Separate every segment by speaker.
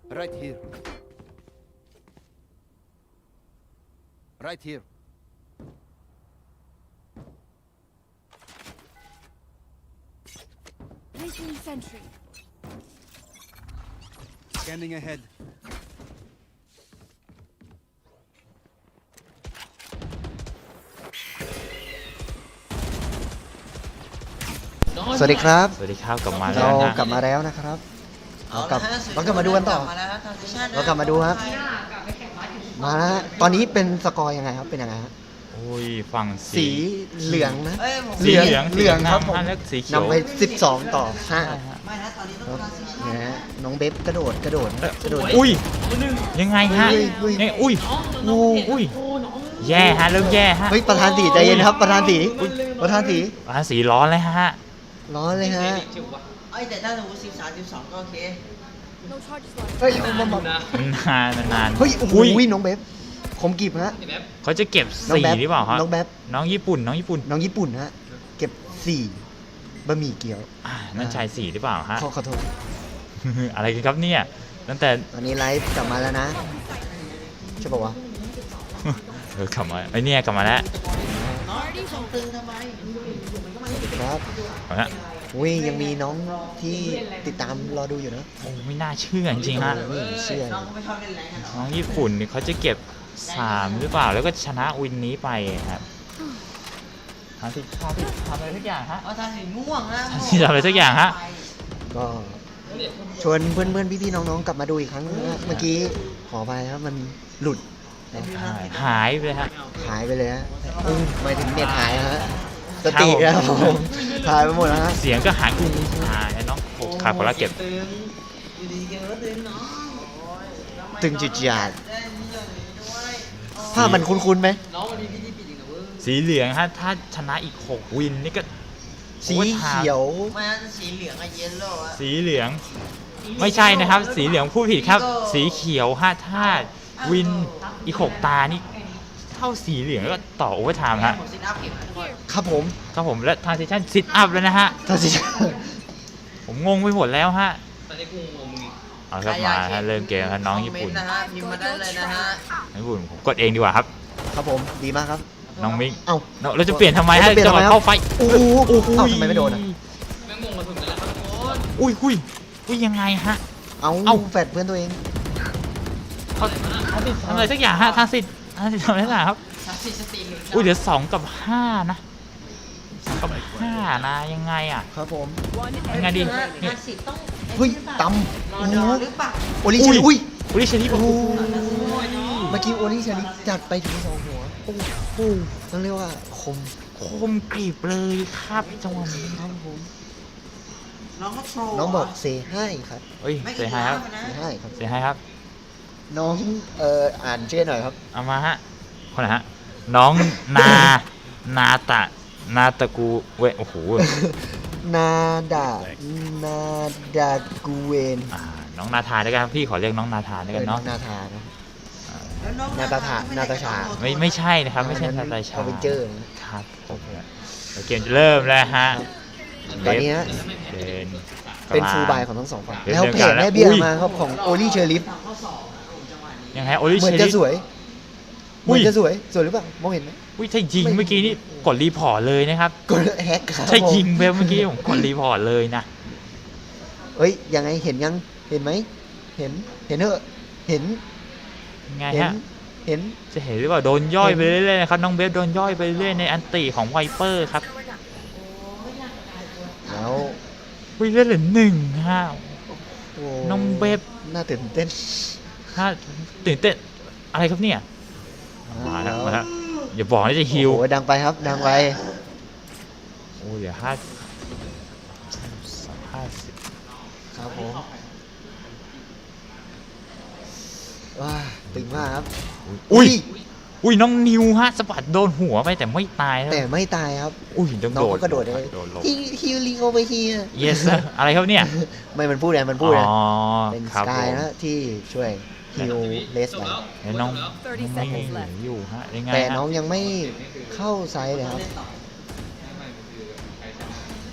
Speaker 1: Right here. Right here.
Speaker 2: Placing sentry.
Speaker 1: Scanning ahead.
Speaker 3: สวัสดีครับ
Speaker 4: สวัสดีครับกลับมาแล้
Speaker 3: เรา
Speaker 4: วนะ
Speaker 3: กลับมาแล้วนะครับ
Speaker 5: เอา
Speaker 3: กลั
Speaker 5: ละ
Speaker 3: บ
Speaker 5: ฮะ
Speaker 3: เรากลับมาดูกันต่อ
Speaker 5: มาแล้วฮะ transition
Speaker 3: เรากลับมาดูครับ มาแล้วฮะตอนนี้เป็นสกอร์ยังไงครับเป็นยังไงฮะ
Speaker 4: โอ้ยฝั่ง
Speaker 3: สีเหลืองนะ
Speaker 5: เอ้ยผม
Speaker 4: สีเหลือง
Speaker 3: เหลืองครับผม
Speaker 4: แล้วสีเขียวน
Speaker 3: ำไป12 ต่อ 5
Speaker 5: ไม่นะตอนนี้ต้อง transition
Speaker 3: นะฮะน้องเบฟกระโดดกระโดด
Speaker 4: อุ้ยยังไงฮะ
Speaker 3: เฮ้ย
Speaker 4: เนี่ยอุ้ยอุ้ยแย่ฮะเริ่มแย่ฮะ
Speaker 3: เฮ้ยประธานสีใจเย็นครับประธานสีประธานสี
Speaker 4: สีร้อนเลยฮะ
Speaker 3: ร้อนเลยฮะ
Speaker 5: เอ้ยแต่ถ้าสมมติ13 12ก็โอเค
Speaker 2: No charges left.
Speaker 3: เฮ้ยมา
Speaker 4: นาน
Speaker 3: เฮ้ยโอ้โหน้องเบฟผมกีบฮะ
Speaker 4: เขาจะเก็บ
Speaker 3: น้อง
Speaker 4: สี
Speaker 3: แบ๊บ
Speaker 4: หรือเปล่าครับ
Speaker 3: น้องแบ๊บ
Speaker 4: น้องญี่ปุ่น
Speaker 3: น้องญี่ปุ่นฮะเก็บ4บะหมี่เกี๊ยว
Speaker 4: นั่นชายสีหรือเปล่าฮะ
Speaker 3: ขอโทษ
Speaker 4: อะไรกันครับเนี่ยตั้งแต่
Speaker 3: ตอนนี้ไลฟ์กลับมาแล้วนะใช่ป่าวะ
Speaker 4: กลับมาไอเนี่ยกลับมาแล้ว
Speaker 5: ตึงทำไม
Speaker 3: ครับ
Speaker 4: เอาละ
Speaker 3: อุ้ยยังมีน้องที่ติดตามรอดูอยู่นะ
Speaker 4: โอ้ไม่น่าเชื่อจริงๆฮะ
Speaker 3: นี่เชื่อ
Speaker 5: น้องก็ไม่ชอบเล่นแรงกันหรอ
Speaker 4: น้องญี่ปุ่นนี่เขาจะเก็บ3หรือเปล่าแล้วก็ชนะวินนี้ไปครับทำอะไรทุกอย่างฮะ
Speaker 5: เอาทางสีม่วงนะ
Speaker 4: ที่ทำอะไรสักอย่างฮะ
Speaker 3: ก็ชวนเพื่อนๆพี่ๆน้องๆกลับมาดูอีกครั้งนึงนะเมื่อกี้ขอไปครับมันหลุดนะ
Speaker 4: หายไปเลยฮะ
Speaker 3: หายไปเลยฮะหมายถึงเน็ตหายฮะสติครับผมหายไปหมดแล้วฮะ
Speaker 4: เสียงก็หายหายน้องโอ้ขาดคนละเก็บ
Speaker 5: ตึงอยู่ดีๆเกมก็ตึงเนาะโอ้ยแล้วไม่
Speaker 3: ตึงจิตจาด
Speaker 5: ได้นี่อย่างนี้ด้วย
Speaker 3: ภาพมันคุ้นๆไหม
Speaker 5: น้องวันนี้พี่ที่ปิดอีกนะเว้ย
Speaker 4: สีเหลืองฮะถ้าชนะอีก6วินนี่ก็
Speaker 3: สีเขียว
Speaker 5: ไม่นะสีเหลืองอะเยลโล่อะ
Speaker 4: สีเหลือง ไม่ใช่นะครับ สีเหลืองพูดผิดครับ สีเขียวฮะถ้าวินอีก6ตานี่เท่าสีเหลืองก็ต่อโอเวอร์ไทม์ฮะ
Speaker 5: ผมซิทอัพเก็บนะทุกคน
Speaker 3: ครับผม
Speaker 4: ครับผมและทางเซสชั่นซิทอัพแล้วนะฮะ
Speaker 3: ถ้าสิ
Speaker 4: ผมงงไปหมดแล้วฮะ
Speaker 5: ตอนนี้กูงงมึง
Speaker 4: เอาครับมาฮะเริ่มเกมฮะน้องญี่ปุ่น
Speaker 5: คอมเมนะฮะพิมพ์มาได้เลยนะฮะ
Speaker 4: ญี่ปุ่นผมกดเองดีกว่าครับ
Speaker 3: ครับผมดีมากครับ
Speaker 4: น้องมิก
Speaker 3: เอ้า
Speaker 4: เราจะเปลี่ยนทำไมฮะ
Speaker 3: เราจะเปลี่ยน
Speaker 4: จังหวะ
Speaker 3: ทำไมครับ
Speaker 4: เข้าไฟ
Speaker 3: โอ้โหเอ้าทำไมไม่โดนอะ
Speaker 5: แม่งงงมาถึงกันแล้วครับทุกคน
Speaker 4: อุ้ยยังไงฮะ
Speaker 3: เอา
Speaker 4: เอ้า
Speaker 3: แฟดเพื่อนตัวเอง
Speaker 4: เขาทำอะไรสักอย่างฮะทางสิทธิ์ทำอะไรสักอย่างครับ
Speaker 5: สติหนึ่ง
Speaker 4: อุ้ยเดี๋ยว2 กับ 5นะ2 กับ 5นะยังไงอ่ะ
Speaker 3: ครับผม
Speaker 4: ยังไงดี
Speaker 5: ห้าสิบต้อง
Speaker 3: เฮ้ยตำ
Speaker 5: ร
Speaker 3: โอ้
Speaker 5: อ
Speaker 3: โห
Speaker 5: ดอหรือเปล่า
Speaker 3: โอลิเชลิอุ้ย
Speaker 4: อุ้ยเชนี่
Speaker 3: โอ้โห
Speaker 5: โอ้ยเนาะ
Speaker 3: เมื่อกี้โอลิเชลิจัดไปถึง2 หัวโอ้โหต้องเรียกว่าคม
Speaker 4: คมกรีบเลยครับจังหวะนี้
Speaker 3: ครับผม
Speaker 5: น้องก็โทร
Speaker 3: น้องบอกเซให้ครับ
Speaker 4: เฮ้ย
Speaker 5: ไม่
Speaker 4: เสียหายครับ
Speaker 3: เซให้ครับ
Speaker 4: เสียหายครับ
Speaker 3: น้องอ่านชื่อหน่อยครับ
Speaker 4: เอามาฮะคนไหนฮะน้องนาตะกูเว้ยโอ้โห
Speaker 3: นาดานาดากูเวน
Speaker 4: น้องนาธาด้วยกันพี่ขอเรียกน้องนาธาด้วยกัน
Speaker 3: น้อ
Speaker 4: เนาะ
Speaker 3: งนาธานะ
Speaker 5: แล้วน้อง
Speaker 3: นาตาชานาตาชา
Speaker 4: ไม่ใช่นะครับไม่ใช่นาตาชา
Speaker 3: อเวนเจอร์นะครับ
Speaker 4: ผมเกมจะเริ่มแล้วฮะ
Speaker 3: ตอนนี้ฮะ
Speaker 4: เดิน
Speaker 3: เป็นฟูลบายของทั้งสองฝั่ง
Speaker 4: เดี๋ยว
Speaker 3: แล้วเพจ
Speaker 4: เดี๋ยว
Speaker 3: แม่เบี้ย
Speaker 4: อุ้ย
Speaker 3: มาครับของโอลิเชอริฟ
Speaker 4: ยังไงโอลิ
Speaker 3: เหมื
Speaker 4: เช
Speaker 3: อน
Speaker 4: อ
Speaker 3: จะ
Speaker 4: รี่
Speaker 3: สวยเห
Speaker 4: อุ้
Speaker 3: มือย นจะสวยหรือเปล่ามองเห็นไหม
Speaker 4: อุ้ยถ้ายิงเมื่อกี้นี่กดรีพอร์ตเลยนะครับ
Speaker 3: กดแฮกครับ
Speaker 4: ถ้ายิง
Speaker 3: ผม
Speaker 4: ไปเมื่อกี้ผมกดรีพอร์ตเลยนะ
Speaker 3: เอ้ยยังไงเห็นยังเห็นไหมเห็นเถอะเห็น
Speaker 4: ยังไง
Speaker 3: เห็น
Speaker 4: ฮะ
Speaker 3: เห็น
Speaker 4: จะเห็นหรือเปล่าโดนย่อยไปเรื่อยๆนะครับน้องเบฟโดนย่อยไปเรื่อยในอันติของไวเปอร์ครับ
Speaker 3: แล้ว
Speaker 4: อุ้ยเลือดเหลือ1ฮะ
Speaker 3: โอ้
Speaker 4: น้องเบฟ
Speaker 3: น่าตื่นเต้น
Speaker 4: ฮะตื่นเต้นอะไรครับเนี่ยมาแล้วมาแล้วอย่าบอกนะจะฮิว
Speaker 3: โอ้โหดังไปครับดังไป
Speaker 4: โอ้ยเดี๋ยว50
Speaker 3: ครับผมว้าตึงมากครับ
Speaker 4: อุ้ยน้องนิวฮะสะบัดโดนหัวไปแต่ไม่ตายนะ
Speaker 3: แต่ไม่ตายครับ
Speaker 4: อุ้ยต้อง
Speaker 3: น้อ
Speaker 4: โด
Speaker 3: ง
Speaker 4: ด
Speaker 3: ก็กระโดดเลย
Speaker 4: โดนลง
Speaker 3: ฮิลลิงโอเวอร์เฮีย
Speaker 4: yes sir อะไรครับเนี่ย
Speaker 3: ไม่มันพูดไงมันพูดไง
Speaker 4: อ๋อ
Speaker 3: เป็น
Speaker 4: ค
Speaker 3: ส
Speaker 4: รับ
Speaker 3: กาย
Speaker 4: ผม
Speaker 3: นะที่ช่วยฮิลเลสไป
Speaker 4: แล้วน้อง
Speaker 2: 30
Speaker 4: ไม่
Speaker 2: seconds left
Speaker 4: อยู่ฮะยังไง
Speaker 3: แต่
Speaker 4: ฮะ
Speaker 3: น้องยังไม่เข้าไซส์เลยครับ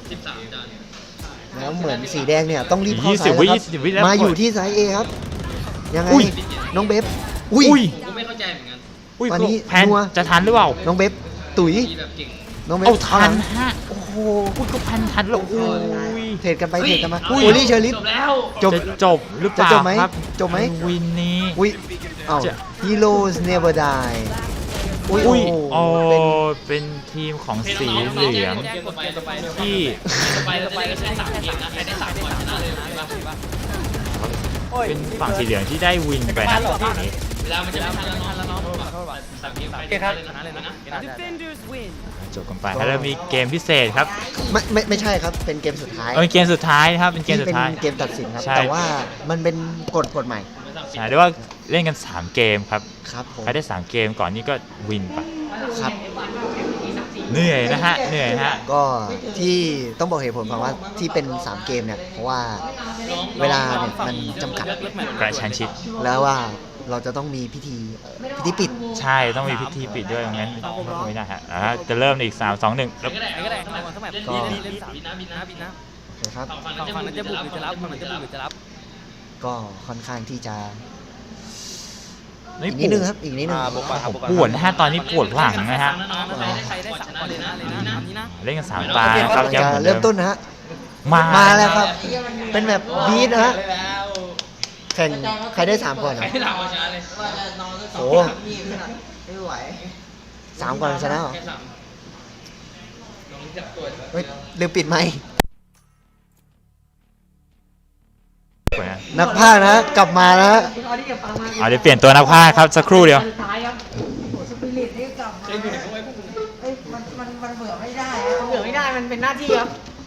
Speaker 3: แล้วเหมือนสีแดงเนี่ยต้องรีบเข้าไซส์แล้วครั
Speaker 4: 20 วิแล้ว
Speaker 3: มาอยู่ที่ไซส์ A ครับยังไง
Speaker 4: อุ้ย
Speaker 3: น้องเบฟอุ้ย
Speaker 4: อุ้ย
Speaker 5: กูไม่เข้าใจเหมือนกัน
Speaker 4: อุ้ย
Speaker 3: วันนี้
Speaker 4: แพน
Speaker 3: นัว
Speaker 4: จะทันหรือเปล่า
Speaker 3: น้องเบฟตุ๋ย
Speaker 5: มีแบบเก่ง
Speaker 3: น้องเบฟ
Speaker 4: เอาทัน
Speaker 3: หลัง
Speaker 4: ฮะโอ้โหพูดก็พันทันแล้วอุ้ย
Speaker 3: เทรดกันไปเทรดกันมา
Speaker 5: อุ้ย
Speaker 3: โอลี่เชอร์ลิฟ
Speaker 5: จบแล้ว
Speaker 3: จบ
Speaker 4: จะจบหรือเปล่า
Speaker 3: จะจบไหม
Speaker 4: ครับ
Speaker 3: จบไหม
Speaker 4: วินนี้
Speaker 3: อุ้ยเอ้า
Speaker 4: จะ
Speaker 3: Heroes Never Die อุ้ย
Speaker 4: อุ้ย
Speaker 3: โอ้
Speaker 4: โอ้
Speaker 3: เป็น
Speaker 4: เป็นทีมของสีเหลืองที่
Speaker 5: ไปเราจะได้3เกมนะใครได้3ก่อนชนะเลยป่ะ
Speaker 4: เป็นฝั่งสีเหลืองที่ได้วินไปนะตอนนี้
Speaker 5: เวลามันจะไม่ทันแล้วเนาะ3เกมใครได้ชนะเลยนะ
Speaker 4: จบกันไปแล้วเรามีเกมพิเศษครับ
Speaker 3: ไม่ใช่ครับ เป็นเกมสุดท้าย
Speaker 4: เป็นเกมสุดท้ายนะครับเป็นเกมสุดท้าย
Speaker 3: ที่เป็นเกมตัดสินครับ
Speaker 4: ใช่
Speaker 3: แต่ว่ามันเป็นกฎใหม่
Speaker 4: ใช่เรียกว่าเล่นกัน 3 เกมครับ
Speaker 3: ครับผม
Speaker 4: ใครได้ 3 เกมก่อนนี่ก็วินไป
Speaker 3: ครับ
Speaker 4: เหนื่อยนะฮะเหนื่อยนะฮะ
Speaker 3: ก็ที่ต้องบอกเหตุผลก่อนว่าที่เป็น 3 เกมเนี่ย เพราะว่าเวลาเนี่ยมันจำกัด
Speaker 4: กระชั้นชิด
Speaker 3: แล้วว่าเราจะต้องมีพิธีปิด
Speaker 4: ใช่ต้องมีพิธีปิดด้วยงั้นไม่ได้ฮะจะเริ่มในอีก 3 2 1แล้ว
Speaker 5: ก็ได้สมัยก่อนเล่น3บินนะ
Speaker 3: นะครับ
Speaker 5: ฝั่งนั้นจะบุกหรือจะรับฝั่งนั้นจะบุกหรือจะรับ
Speaker 3: ก็ค่อนข้างที่จะ
Speaker 4: นี่
Speaker 3: อีกนิดนึงครับอีกนิดนึง
Speaker 4: ปวดนะฮะตอนนี้ปวดหลังนะฮะ
Speaker 5: ใครได้3ก่อนเลยนะนี้นะ
Speaker 4: เล่นกัน 3 ตานะครับ
Speaker 3: จะ
Speaker 4: หอนดิ
Speaker 3: เริ่มต้นนะฮะ
Speaker 4: มา
Speaker 3: มาแล้วครับ เป็นแบบบีทนะฮะแข่งใครได้3ก่อน
Speaker 5: ใคร
Speaker 3: อ่ะ
Speaker 5: ได้3ก่อนชนะเลย
Speaker 3: โอ้ไม่ไหว3ก่อนชนะเหรอ
Speaker 5: แค่3ลองจับตัว
Speaker 3: เฮ้ยลืมปิดไมค์นักพากย์นะกลับมานะฮะ
Speaker 4: เอาเดี๋ยวเปลี่ยนตัวนักพากย์ครับสักครู่เดียว
Speaker 6: มันเบื่อไม่ได้อะเบื่อไม่ได้ มันเป็นหน้าที่ครับ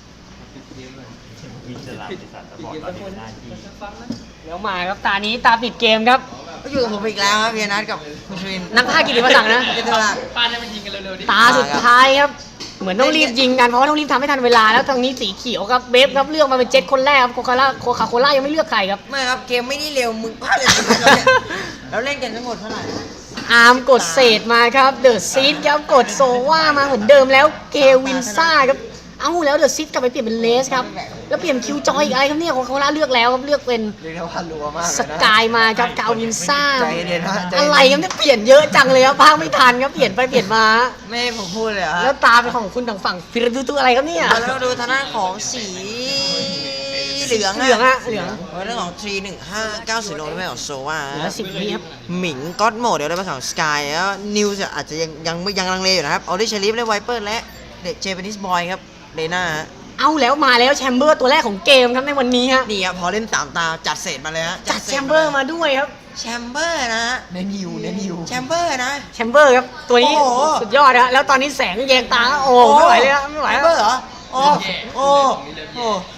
Speaker 6: เดี๋ยวมาครับ ตานี้ตาปิดเกมครับ
Speaker 7: ก็อยู่กับผมอีกแล้วครับเวียนัทกับคุณชวิน
Speaker 6: นักพากย์กิติมศักดิ์นะ
Speaker 7: เจตลาด
Speaker 5: ป้านให้มันยิงกันเร็วๆดิ
Speaker 6: ตาสุดท้ายครับ เหมือนต้องรีบยิงกัน เพราะว่าต้องรีบทำให้ทันเวลา แล้วทางนี้สีเขียวครับ เบฟครับ เลือกมาเป็น7คนแรกครับ โคคาโคล่ายังไม่เลือกใครครับ
Speaker 7: ไม่ครับเกมไม่ได้เร็วมึงพลาดเลยเราเล่นกันทั้งหมดเท่าไหร่นะ
Speaker 6: อาร์มกดเศษมาครับ เดอะซีดครับ กดโซว่ามาเหมือนเดิมแล้ว เกวินซ่าครับ เอ้าแล้วเดอะซีดกลับไปเปลี่ยนเป็นเลสครับ แล้วเปลี่ยนคิวจอยอีกอะไรครับเนี่ยโคคาโคล่าเลือกแล้วครับ เลือกเป็น
Speaker 3: เรียกได้ว่ารัวมาก
Speaker 6: สกายมาครับกาวินซ่า
Speaker 3: ใจเย็นๆนะใจเย็นๆ
Speaker 6: อะไรครับเนี่ยเปลี่ยนเยอะจังเลยครับพากไม่ทันครับเปลี่ยนไปเปลี่ยนมา
Speaker 7: ไม่ให้ผมพูดเลยเหรอ
Speaker 6: แล้วตาเป็นของคุณทางฝั่งฟิรดูตัวอะไรครับเนี่ย
Speaker 7: แล้วดูทางด้านของสีเหลือง
Speaker 6: เหลืองอะเหลือง
Speaker 7: เรื่องของ 31590โนได้ของโซวา
Speaker 6: เหลือ10วิครับ
Speaker 7: หมิงก็อดโหมดเดี๋ยวได้มาของสกายแล้วนิวจะอาจจะยังลังเลอยู่นะครับออริชลิฟและไวเปอร์และเด็กเจแปนิสบอยครับเลน่า
Speaker 6: เอาแล้วมาแล้วแชมเบอร์ตัวแรกของเกมครับในวันนี้ฮะ
Speaker 7: นี่ครับพอเล่น3 ตาจัดเศษมาเลยฮะ
Speaker 6: จัดแชมเบอร์มาด้วยครับ
Speaker 7: แชมเบอร์นะฮะ
Speaker 3: เน้นฮิวเน้นฮิว
Speaker 7: แชมเบอร์นะ
Speaker 6: แชมเบอร์ครับตัวนี้
Speaker 7: โอ้โห
Speaker 6: สุดยอดฮะแล้วตอนนี้แสงแยงตาโอ้ไม่ไหวเลยครับไม่ไหว
Speaker 7: แชม
Speaker 6: แล้ว
Speaker 7: เบอร์เหรอโอ้โอ้โอ้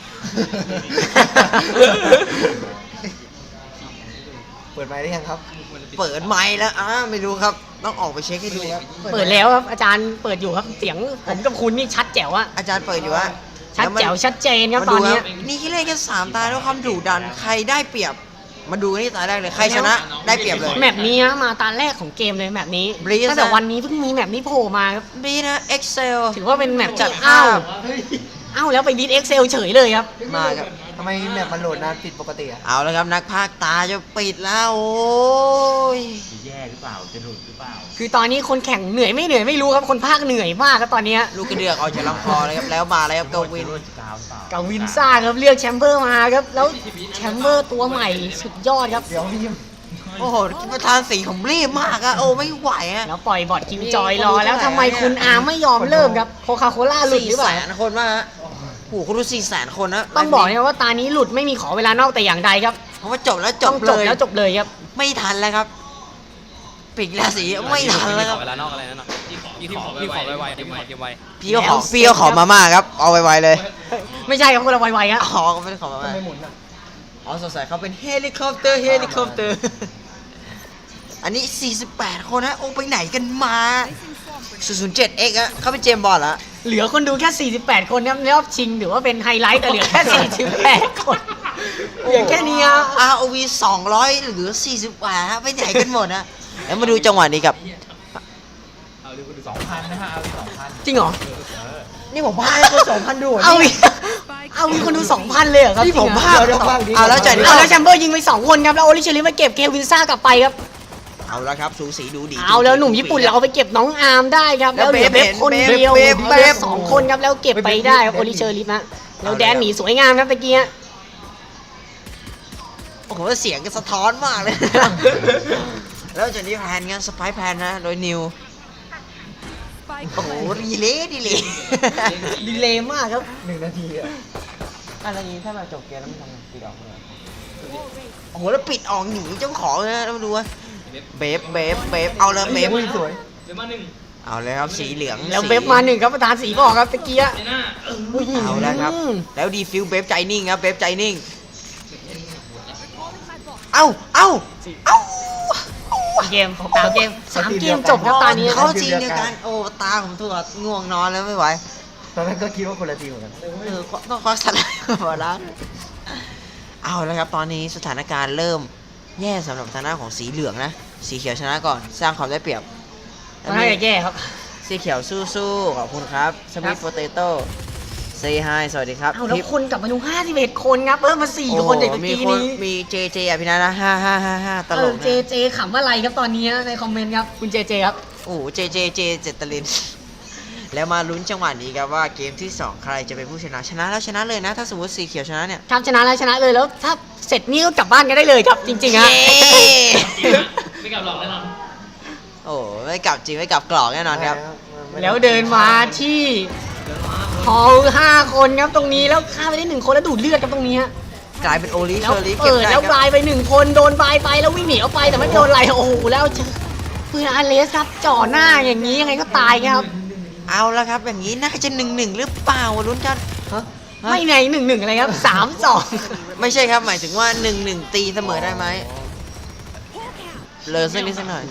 Speaker 3: เปิดไมค์ได้ยังครับ
Speaker 7: เปิดไมค์แล้วไม่รู้ครับต้องออกไปเช็คให้ดูครับ
Speaker 6: เปิดแล้วครับอาจารย์เปิดอยู่ครับเสียงผมกับคุณนี่ชัดแจ๋วอะ
Speaker 7: อาจารย์เปิดอยู่ฮะ
Speaker 6: ชัดแจ๋วชัดเจนครับ
Speaker 7: มา
Speaker 6: ต
Speaker 7: ดู
Speaker 6: อน
Speaker 7: ค
Speaker 6: นี้
Speaker 7: รับนี่แค่เล่นแค่3 ตาด้วยความดุดันใครได้เปรียบ มาดูนี่ตาแรกเลยใครชนะได้เปรียบเลย
Speaker 6: แมปนี้ฮะมาตาแรกของเกมเลยแมปนี้
Speaker 7: Breeze
Speaker 6: ตั้งแต่วันนี้เพิ่งมีแมปนี้โผล่มาครับ
Speaker 7: บีนะ Excel
Speaker 6: ถือว่าเป็นแมป
Speaker 7: จั
Speaker 6: จั
Speaker 7: ด
Speaker 6: ด
Speaker 7: ภา
Speaker 6: อ้าว
Speaker 7: พ
Speaker 6: อ้าวแล้วไปบีทเอ็กเซลเฉยเลยครับ
Speaker 7: มาครับ
Speaker 3: ทำไมแมปมันโหลดนานผิดปกติอ่ะ
Speaker 7: เอาแล้วครับนักพากย์ตาจะปิดแล้วโอ้ย
Speaker 4: จะแย่หรือเปล่าจะหลุดหรือเปล่า
Speaker 6: คือตอนนี้คนแข่งเหนื่อยไม่เหนื่อยไม่รู้ครับคนภาคเหนื่อยมากครับตอนเนี้ย
Speaker 7: ลูกกระเดือกออกจากลำคอเลยครับแล้วมาแล้วครับกวิน
Speaker 6: กาวินซ่าครับเลือกแชมเบอร์มาครับแล้วแชมเบอร์ตัวใหม่สุดยอดครับ
Speaker 3: เดี๋ยวพี่
Speaker 7: โอ้โหประธานสีผมรีบมากอะโอ้ไม่ไหวอะ
Speaker 6: แล้วปล่อยบอดคิวจอยรอแล้วทำไมคุณอาร์มไม่ยอมเริ่มครับโคคาโคล่าหลุดหรือเปล่า
Speaker 7: 400,000 คนว่าฮะโอ้โหคุณดู400,000 คนนะ
Speaker 6: ต้องบอกเนี่ยว่าตานี้หลุดไม่มีขอเวลานอกแต่อย่างใดครับ
Speaker 7: เพราะว่าจบแล้วจ
Speaker 6: ต้
Speaker 7: บ
Speaker 6: อง
Speaker 7: เล
Speaker 6: จบ
Speaker 7: ย
Speaker 6: แล้วจบเลยครับ
Speaker 7: ไม่ทันแล้วครับปิดราศีไม่ทันแล้วครับ
Speaker 5: เวลานอกอะไรนั่นน่ะพี่ขอไวๆเกมไว
Speaker 7: พี่ก็ขอมาม่าครับเอาไวๆเลย
Speaker 6: ไม่ใช่ครับคนละไวๆครับ
Speaker 7: อ๋อเขาไม่ได้ขอมาม่าอ๋อสงสัยเขาเป็นเฮลิคอปเตอร์ อันนี้ 48 คนนะโอ้ไปไหนกันมา 007X อะเขาเป็นเจมส์บอลแล้ว
Speaker 6: เหลือคนดูแค่ 48 คนครับรอบชิงถือว่าเป็นไฮไลท์แต่เหลือแค่ 48 คนเหลือแค่นี้ครับ
Speaker 7: ROV 200เหลือ48ฮะไปไหนกันหมดนะแล้วมาดูจังหวะนี้กับ
Speaker 4: 2,000 นะฮะเอาไป2,000
Speaker 6: จริงเหรอ
Speaker 7: นี่ผมพาให้คน2,000ดูเหรอ
Speaker 6: เอา
Speaker 7: นี่
Speaker 6: อีกเอามีคนดู 2,000 เลยเหรอครับ
Speaker 7: นี่ผม
Speaker 6: จริง
Speaker 7: พา
Speaker 6: เหรอ
Speaker 7: เอาแล้วจ่ายดี
Speaker 6: เอาแล้วแชมเบอร์ยิงไป 2 คนครับ แล้วโอลิเชอริมาเก็บเควินซ่ากลับไปครับ
Speaker 7: เอาแล้วครับสูสีดูดี
Speaker 6: เอาแล้วหนุ่มญี่ปุ่นเราไปเก็บน้องอาร์มได้ครับ
Speaker 7: แล้
Speaker 6: แล้ว วเหลือ
Speaker 7: เบ
Speaker 6: เบ
Speaker 7: ฟ
Speaker 6: ฟคนเดียว
Speaker 7: เบฟ
Speaker 6: เบฟสองคนครับแล้วเก็บไปได้ครับโอลิเชอริมะแล้วแดนหนีสวยงามครับตะกี้ฮะ
Speaker 7: โอ้โหเสียงก็สะท้อนมากเลย แล้วจากนี้แพนงั้นสไปแพนนะโดยนิว
Speaker 2: Spike
Speaker 7: โอ้โห
Speaker 2: planted.
Speaker 7: ดีเลยดีเลย
Speaker 6: ดีเลยมากครับ
Speaker 3: 1 นาทีอะ
Speaker 7: อะไรนี้ถ้ามาจบเกมแล้วมันทำไงปิดออกเลยโอ้โหแล้วปิดออกหนีเจ้าของนะแล้วมาดูว่าเบฟเอาเลยเบฟ
Speaker 3: สวย
Speaker 7: เอาเลยครับสีเหลือง
Speaker 6: แล้วเบฟมา1ครับประธานสีบอกครับตะกี้ฮะ
Speaker 7: เอาแล้วครับแล้วดีฟิวเบฟใจนิ่งครับเบฟใจนิ่งเอ้า
Speaker 6: เกม3 เกม 3 เกมจบครับตอนนี้
Speaker 7: เขาจริงเดียวกันโอ้ตาผมตัวง่วงนอนแล้วไม่ไหว
Speaker 3: ตอนนั้นก็คิดว่าคนละทีมเหมือนกัน
Speaker 7: ต้องคว้าสไลด์มาแล้วเอาแล้วครับตอนนี้สถานการณ์เริ่มแย่สำหรับทางด้านของสีเหลืองนะสีเขียวชนะก่อนสร้างความได้เปรียบ
Speaker 6: ตอนนี้แย่ครับ
Speaker 7: สีเขียวสู้ๆขอบคุณครับสมิธโปเตโต้เซฮายสวัสดีครับ
Speaker 6: เอาแล้วคนกลับมาดู51 คนครับเพิ่มมา4 คนจากตะ
Speaker 7: มี
Speaker 6: กี้
Speaker 7: คน
Speaker 6: นี้
Speaker 7: มีเจอภินันท์นะ5ตลก
Speaker 6: เจ
Speaker 7: นะ
Speaker 6: เจขำอะไรครับตอนนี้ในคอมเมนต์ครับคุณเจครับ
Speaker 7: โอ้โหเจเจตลิน แล้วมาลุ้นจังหวะนี้ครับว่าเกมที่ 2 ใครจะเป็นผู้ชนะชนะแล้วชนะเลยนะ ถ้าสมมติสีเขียวชนะเนี่ย
Speaker 6: ครับชนะแล้วชนะเลยแล้วถ้าเสร็จนี่ก็กลับบ้านกันได้เลยครับจริงๆฮะ
Speaker 5: ไม่กลับหรอกแน่นอน
Speaker 7: โอ้ไม่กลับจริงไม่กลับกรอกแน่นอนครับ
Speaker 6: แล้วเดินมาที่ฮอล5 คนครับตรงนี้แล้วฆ่าไปได้1 คนแล้วดูดเลือดครับตรงนี้ฮะ
Speaker 7: กลายเป็นโอลิเช
Speaker 6: แล้ว
Speaker 7: อรี่เก็บ
Speaker 6: เปิด
Speaker 7: ได้
Speaker 6: แล้ว
Speaker 7: ครับ
Speaker 6: บายไป1 คนโดนบายไปแล้ววิ่งหนีออกไปแต่ไม่โดนอะไรโอ้โหแล้วเจอปืนอาร์เลสครับจ่อหน้าอย่างนี้ยังไงก็ตายครับ
Speaker 7: เอาละครับอย่างนี้น่าจะ1-1หรือเปล่าลุ้นกันฮะ
Speaker 6: ไม่ใน1-1อะไรครับ3-2
Speaker 7: ไม่ใช่ครับหมายถึงว่า1-1ตีเสมอได้ไหมเลยสักนิดสักหน่อย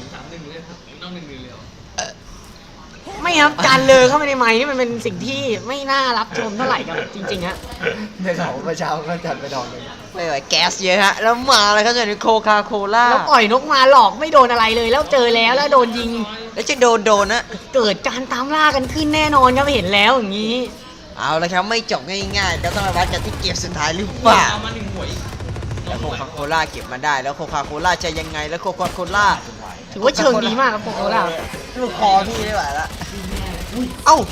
Speaker 6: ไม่ครับการเลอเข้าไปในไม้นี่มันเป็นสิ่งที่ไม่น่ารับชมเท่าไหร่ครับจริงๆฮะ
Speaker 3: ในเขาเมื่อเช้าก็จัดไปดอกเลย
Speaker 7: ไม่ไหวแก๊สเยอะฮะแล้วมาเลยครับจากนี้โคคาโคล่า
Speaker 6: แล้วปล่อยนกมาหลอกไม่โดนอะไรเลย แล้วเจอแล้วโดนยิง
Speaker 7: แล้วจะโดนนะ
Speaker 6: เกิดการตามล่ากันขึ้นแน่นอนครับเห็นแล้วอย่างนี้
Speaker 7: เอาละครับไม่จบง่ายๆก็ต้องมาวัดกันที่เกมสุดท้ายหรือเปล่า
Speaker 5: เอามา1หัวอีก
Speaker 7: แล้วโคคาโคล่าเก็บมาได้แล้วโคคาโคล่าจะยังไงแล้วโคคาโคล่า
Speaker 6: ถือว่าเชิงดีมากครับโคโคล่า
Speaker 7: ลูกคอพี่ไม่ไหวละเอ้า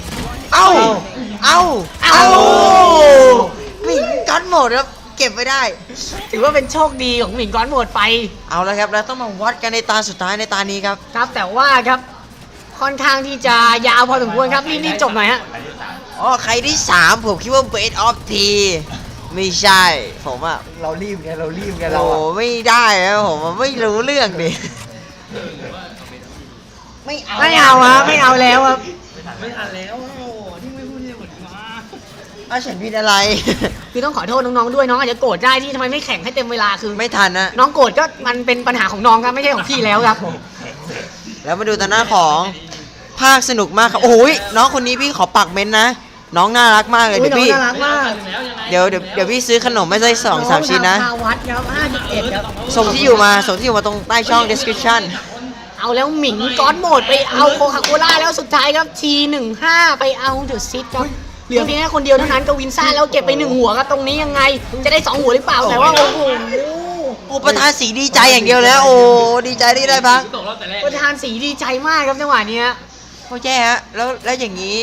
Speaker 7: วิ่งก้อนหมดครับเก็บไม่ได้
Speaker 6: ถือว่าเป็นโชคดีของหมิงก้อนหมดไป
Speaker 7: เอาละครับแล้วต้องมาวัดกันในตาสุดท้ายในตานี้ครับ
Speaker 6: ครับแต่ว่าครับค่อนข้างที่จะยาวพอสมควรครับรีบๆจบหน่อยฮะ
Speaker 7: อ๋อใครที่ 3 ผมคิดว่าเบสออฟทีไม่ใช่ผมอะ
Speaker 3: เรารีบไงเราอะ
Speaker 7: โอ้ไม่ได้ครับผมอะไม่รู้เรื่องดิไม่เอา
Speaker 6: ไม่เอาฮะไม่เอาแล้วครับ
Speaker 5: ไม่ทันแล้วโอ้โหที่ไม่พูดที่หมดมา
Speaker 7: เอาฉันผิดอะไร
Speaker 6: คือต้องขอโทษน้องๆด้วยน้องอาจจะโกรธได้ที่ทำไมไม่แข่งให้เต็มเวลาคือ
Speaker 7: ไม่ทันนะ
Speaker 6: น้องโกรธก็มันเป็นปัญหาของน้องครับไม่ใช่ของพี่แล้วครับ
Speaker 7: แล้วมาดูตาหน้าของภาคสนุกมากครับโอ้ยน้องคนนี้พี่ขอปักเม้นต์นะ น้องน่ารักมากเลย
Speaker 6: อุ๊
Speaker 7: เดี๋ยวพี่
Speaker 6: น้องน่ารักมาก
Speaker 5: แล้วยังไง
Speaker 7: เดี๋ยวพี่ซื้อขนมไม่ใช่2-3 ชิ้นนะ
Speaker 6: องทำคาวัดครับ51ครับ
Speaker 7: ส่งที่อยู่มาตรงใต้ช่อง description
Speaker 6: เอาแล้วหมิงก้อนโหมดไปเอาโคคาโคล่าแล้วสุดท้ายครับ T15 ไปเอาเดอะซิตครับเหลือเพียงแค่คนเดียวเท่านั้นกับวินซ่าแล้วเก็บไป1 หัวครับตรงนี้ยังไง จะได้2 หัวหรือเปล่าแต่ว่าโอ้โห
Speaker 7: โอ้ประธานสีดีใจอย่างเดียวแล้วโอ้ดีใจที่ได้พัก
Speaker 5: ตกรอบแต่แรก
Speaker 6: ประธานสีดีใจมากครับจังหวะเนี้ย
Speaker 7: โอ้แย่ฮะแล้วอย่างนี้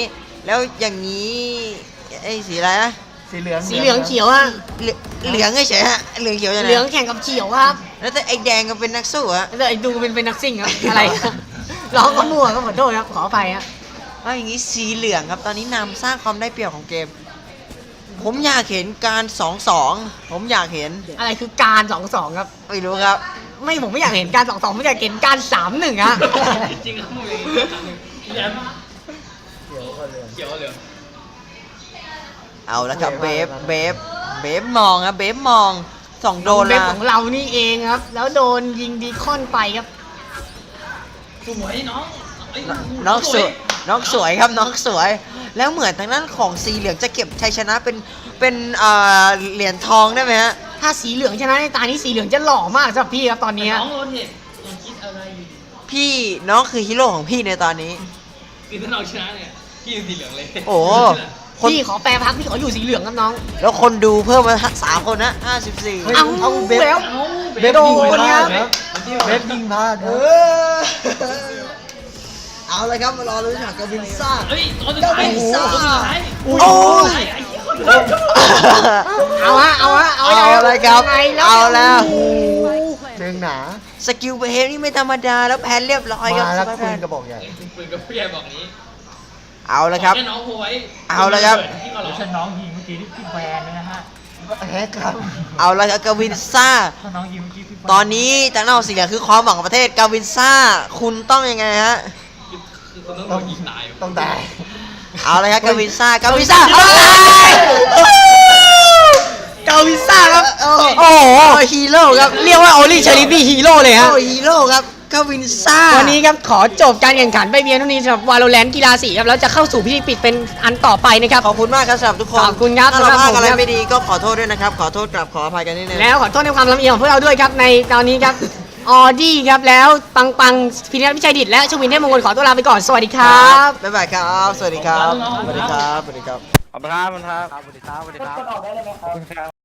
Speaker 7: ไอ้สีอะไรนะ
Speaker 3: สีเหลือง
Speaker 6: สีเหลืองเขียวฮะ
Speaker 7: เหลืองเฉยๆฮะเหลืองเขียวจะไหน
Speaker 6: เหลืองแข่งกับเขียวครับ
Speaker 7: แล้วแต่ไอ้แดงก็เป็นนักสู้ฮะ
Speaker 6: แล้วไอ้ดูเป็นนักซิ่งครับอะไรครับร้องก็มั่วก็ขอโทษครับขออภัยครับ
Speaker 7: เอาอย่างนี้สีเหลืองครับตอนนี้นำสร้างความได้เปรียบของเกม ผมอยากเห็นการ 2-2 ผมอยากเห็น
Speaker 6: อะไรคือการ2-2ครับ
Speaker 7: ไม่รู้ครับ
Speaker 6: ผมไม่อยากเห็นการ2-2ผมอยากเห็นการ3-1ฮะ
Speaker 5: จริงๆครับมึงอย่างนี้ครั้งหนึ่งแย้มเขียวเหลือง
Speaker 7: เอาแล้วครับเบฟมองครับเบฟมอง2 โดน
Speaker 6: เว็บ
Speaker 7: ละ
Speaker 6: ของเรานี่เองครับ แล้วโดนยิงดีคอนไปครับ
Speaker 5: สวยน้องเอ้ย
Speaker 7: น้องสวยครับน้องสวย แล้วเหมือนทางด้านของสีเหลืองจะเก็บชัยชนะเป็นเหรียญทองได้ไหมฮะ
Speaker 6: ถ้าสีเหลืองชนะในตานี้สีเหลืองจะหล่อมากสำหรับพี่ครับตอนนี้
Speaker 5: น้องโรเทตยังคิดอะไรอยู่
Speaker 7: น้องคือฮีโร่ของพี่ในตอนนี้
Speaker 5: คือถ้าเราชนะเนี่ยพี่อยู่สีเหลืองเลย
Speaker 7: โอ้โหคน
Speaker 6: พี่ขอแปรพักพี่ขออยู่สีเหลืองครับน้อง
Speaker 7: แล้วคนดูเพิ่มมา3 คนนะ54
Speaker 6: เอา
Speaker 3: เบฟ
Speaker 6: แล้ว
Speaker 3: เบฟ
Speaker 6: โด
Speaker 3: ยิง
Speaker 6: น
Speaker 3: พ
Speaker 6: ค
Speaker 3: ลา
Speaker 6: รั
Speaker 3: ด
Speaker 6: บ
Speaker 3: ครับเบฟยิงพลาดครับ
Speaker 7: เอาเลยครับมารอลุ้นฉากกวินซ่า
Speaker 5: เฮ้ยตอนสุดท้ายตอนสุดท้าย
Speaker 7: โอ้ย
Speaker 5: ไอ้เหี้ยคน
Speaker 6: เอาฮะเอาฮะ
Speaker 7: เอาเลยครับ
Speaker 6: ยังไง
Speaker 7: เอาแล้ว
Speaker 3: เชิงหนา
Speaker 7: สกิลเบฟนี่ไม่ธรรมดาแล้วแพนเรียบร้อยครับ
Speaker 3: มาแล้ว
Speaker 7: สไป
Speaker 3: ปื
Speaker 7: แพ
Speaker 3: น
Speaker 7: น
Speaker 3: กระบอกใหญ่
Speaker 5: ปืนกับผู้ใหญ่บอกนี้
Speaker 7: เอาเลยครับ
Speaker 5: แค่น้องโหย
Speaker 7: เอาเลยครับ
Speaker 5: ที่เขาหร
Speaker 4: แล้
Speaker 5: อ
Speaker 4: วฉันน้องยิงเมื่อกี้นี่พี่แวนเลยนะฮะ
Speaker 3: แฮกครับ
Speaker 7: เอาเลยครับกวินซ่า
Speaker 4: ถ้าน้องยิงเมื่อกี้พี่แวน
Speaker 7: ตอนนี้จากนอกสีเหลืองคือความหวังของประเทศกาวินซ่า คุณต้องยังไงฮะ
Speaker 5: คือคนต้องโดนยิงตาย
Speaker 3: ต้องตาย
Speaker 7: เอาเลยครับกาวินซ่ากาวินซ่าเอา
Speaker 6: เกาวิซ่าครับ
Speaker 7: โอ้
Speaker 6: โอ้โห
Speaker 7: ฮีโร่ครับ
Speaker 6: เรียกว่าโอลี่เชอริฟี่ฮีโร่เลยฮะ
Speaker 7: โอ้ฮีโร่ครับกาวินซ่า
Speaker 6: วันนี้ครับขอจบการแข่งขันไปเพียงเท่านี้สำหรับวาโลแรนต์กีฬาสีครับแล้วจะเข้าสู่พิธีปิดเป็นอันต่อไปนะครับ
Speaker 7: ขอบคุณมากครับสำหรับทุกคน
Speaker 6: ขอบคุณครับ
Speaker 7: ถ้าเรา
Speaker 6: สำหรับ
Speaker 7: พลาดอะไร
Speaker 6: ผมครับ
Speaker 7: ไม่ดีก็ขอโทษด้วยนะครับ ขอโทษกลับขออภัยกันนิดนึง
Speaker 6: แล้วขอโทษในความลำเอียงของพวกเราด้วยครับในตอนนี้ครับออดี้ครับแล้วปังปังพินิจพิชัยดิตและชวินเทพมงคลขอตัวลาไปก่อนสวัสดีครับ
Speaker 7: บ๊ายบายครับ สวัสดีครับ สวัสดีครับ สวัสดีครับ
Speaker 5: ขอบคุณครับขอบคุณครับสวัสดีครับสวัสดีครับ